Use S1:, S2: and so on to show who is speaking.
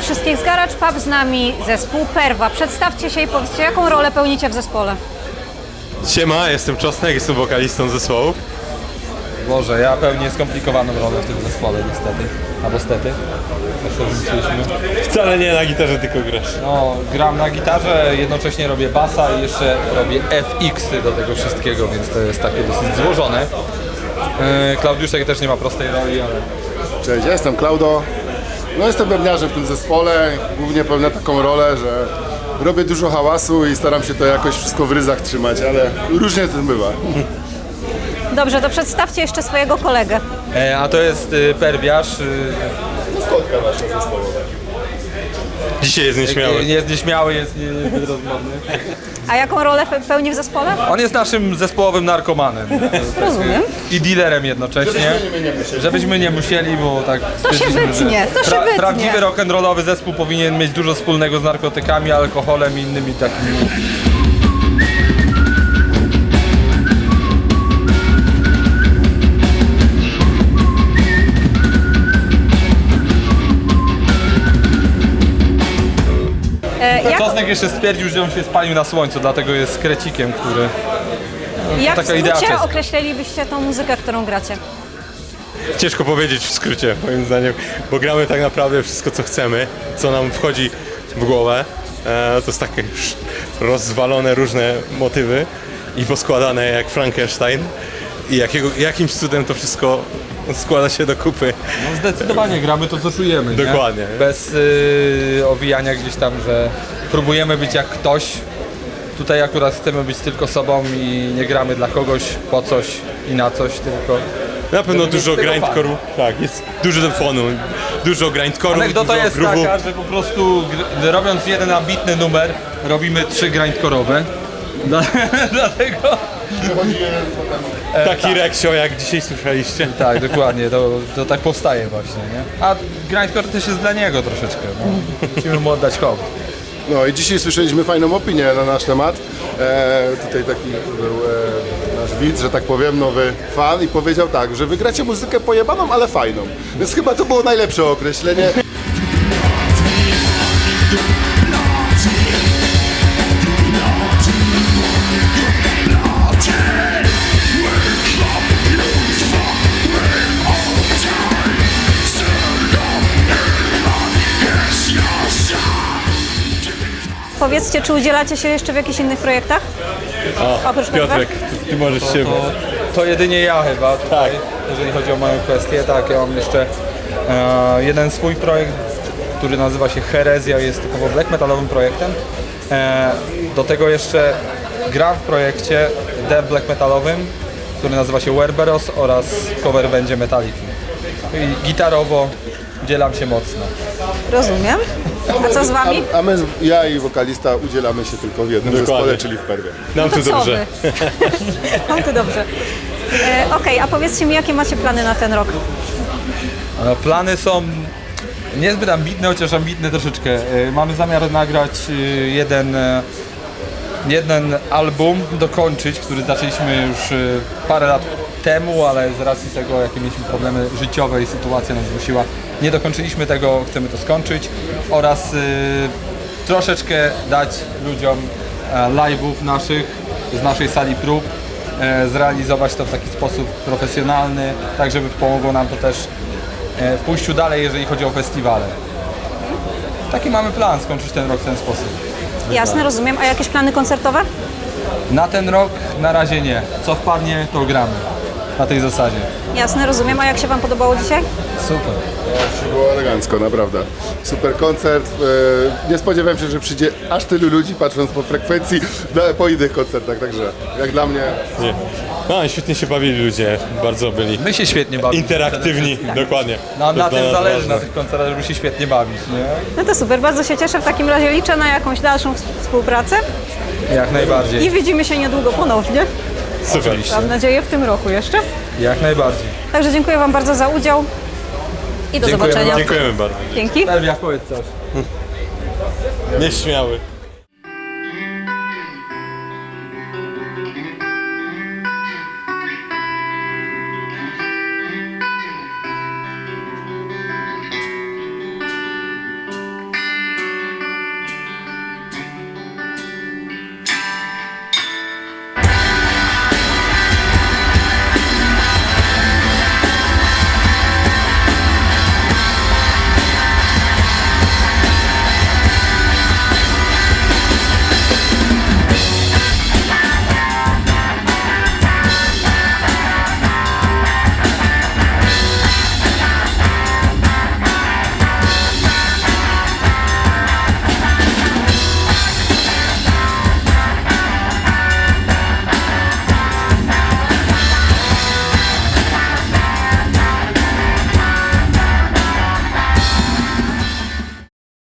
S1: wszystkich z Garage Pub, z nami zespół Perwa. Przedstawcie się i powiedzcie, jaką rolę pełnicie w zespole.
S2: Siema, jestem Czosnek, jestem wokalistą zespołu.
S3: Boże, ja pełnię skomplikowaną rolę w tym zespole niestety. Albo stety.
S2: Wcale nie na gitarze, tylko grasz.
S3: No, gram na gitarze, jednocześnie robię basa i jeszcze robię FX-y do tego wszystkiego, więc to jest takie dosyć złożone. Klaudiuszek też nie ma prostej roli, ale...
S4: Cześć, ja jestem Klaudo. No jestem bębniarzem w tym zespole. Głównie pełnię taką rolę, że robię dużo hałasu i staram się to jakoś wszystko w ryzach trzymać, ale różnie to bywa.
S1: Dobrze, to przedstawcie jeszcze swojego kolegę.
S3: A to jest perwiarz.
S4: Maskotka nasza zespołowa.
S2: Dzisiaj jest nieśmiały.
S3: Jest nieśmiały, jest niezbyt rozmowny.
S1: A jaką rolę pełni w zespole?
S3: On jest naszym zespołowym narkomanem.
S1: Rozumiem.
S3: I dealerem jednocześnie. Żebyśmy nie musieli, bo tak...
S1: To się wytnie, to się wytnie.
S3: Prawdziwy rock'n'rollowy zespół powinien mieć dużo wspólnego z narkotykami, alkoholem i innymi takimi... Czosnek jeszcze stwierdził, że on się spalił na słońcu, dlatego jest krecikiem, który...
S1: Jak
S3: taka
S1: w
S3: idea
S1: skrócie
S3: czeska.
S1: określilibyście tą muzykę, którą gracie?
S2: Ciężko powiedzieć w skrócie, moim zdaniem, bo gramy tak naprawdę wszystko, co chcemy, co nam wchodzi w głowę. To są takie już rozwalone różne motywy i poskładane jak Frankenstein. I jakimś cudem to wszystko składa się do kupy.
S3: No zdecydowanie gramy to, co czujemy, nie?
S2: Dokładnie.
S3: Bez owijania gdzieś tam, że próbujemy być jak ktoś. Tutaj akurat chcemy być tylko sobą i nie gramy dla kogoś, po coś i na coś, tylko...
S2: Na pewno
S3: Żeby mieć
S2: dużo
S3: z tego
S2: grindcore'u. Tak, jest dużo fonu, dużo grindcore'u,
S3: Anegdota
S2: dużo
S3: jest
S2: groove'u.
S3: taka, że po prostu robiąc jeden ambitny numer, robimy 3 grindcore'owe. Dlatego...
S2: Taki reksio, jak dzisiaj słyszeliście.
S3: Tak, dokładnie, to tak powstaje właśnie, nie? A grindcore też jest dla niego troszeczkę, no. Musimy mu oddać hołd.
S4: No i dzisiaj słyszeliśmy fajną opinię na nasz temat. Tutaj taki był nasz widz, że tak powiem, nowy fan i powiedział tak, że wygracie muzykę pojebaną, ale fajną. Więc chyba to było najlepsze określenie.
S1: Powiedzcie, czy udzielacie się jeszcze w jakichś innych projektach? Oprócz
S2: Piotrek, ty możesz się...
S3: To jedynie ja chyba tutaj, jeżeli chodzi o moją kwestię. Tak, ja mam jeszcze jeden swój projekt, który nazywa się Herezja, jest typowo black metalowym projektem. Do tego jeszcze gram w projekcie death black metalowym, który nazywa się Werberos oraz cover będzie Metaliki. I gitarowo dzielam się mocno.
S1: Rozumiem. A co z wami?
S4: A my, ja i wokalista udzielamy się tylko w jednym
S2: Dokładnie.
S4: zespole, czyli w Perwie.
S2: Nam
S1: To
S2: tu
S1: co
S2: dobrze.
S1: wy? Mam tu dobrze. Okej, a powiedzcie mi, jakie macie plany na ten rok?
S3: Plany są niezbyt ambitne, chociaż ambitne troszeczkę. Mamy zamiar nagrać jeden album, dokończyć, który zaczęliśmy już parę lat temu, ale z racji tego, jakie mieliśmy problemy życiowe i sytuacja nas zmusiła, nie dokończyliśmy tego, chcemy to skończyć oraz troszeczkę dać ludziom live'ów naszych z naszej sali prób, zrealizować to w taki sposób profesjonalny, tak żeby pomogło nam to też w pójściu dalej, jeżeli chodzi o festiwale. Taki mamy plan, skończyć ten rok w ten sposób.
S1: Jasne, rozumiem. A jakieś plany koncertowe?
S3: Na ten rok na razie nie. Co wpadnie, to gramy. Na tej zasadzie.
S1: Jasne, rozumiem. A jak się wam podobało dzisiaj?
S3: Super.
S4: Było elegancko, naprawdę. Super koncert. Nie spodziewałem się, że przyjdzie aż tylu ludzi, patrząc po frekwencji po innych koncertach, także jak dla mnie...
S2: Nie. No, świetnie się bawili ludzie, bardzo byli
S3: My się świetnie bawimy.
S2: interaktywni, dokładnie.
S3: No,
S2: To
S3: na
S2: jest dla
S3: tym
S2: nas
S3: zależy,
S2: ważne.
S3: na tych koncertach, żeby się świetnie bawić, nie?
S1: No to super, bardzo się cieszę. W takim razie liczę na jakąś dalszą współpracę
S3: Jak najbardziej.
S1: i widzimy się niedługo ponownie.
S2: Super.
S1: Mam nadzieję w tym roku jeszcze.
S3: Jak najbardziej.
S1: Także dziękuję wam bardzo za udział i do
S3: Dziękujemy
S1: zobaczenia.
S3: bardzo.
S2: Dziękujemy bardzo.
S1: Dzięki.
S3: Elwia, powiedz coś.
S2: Nieśmiały.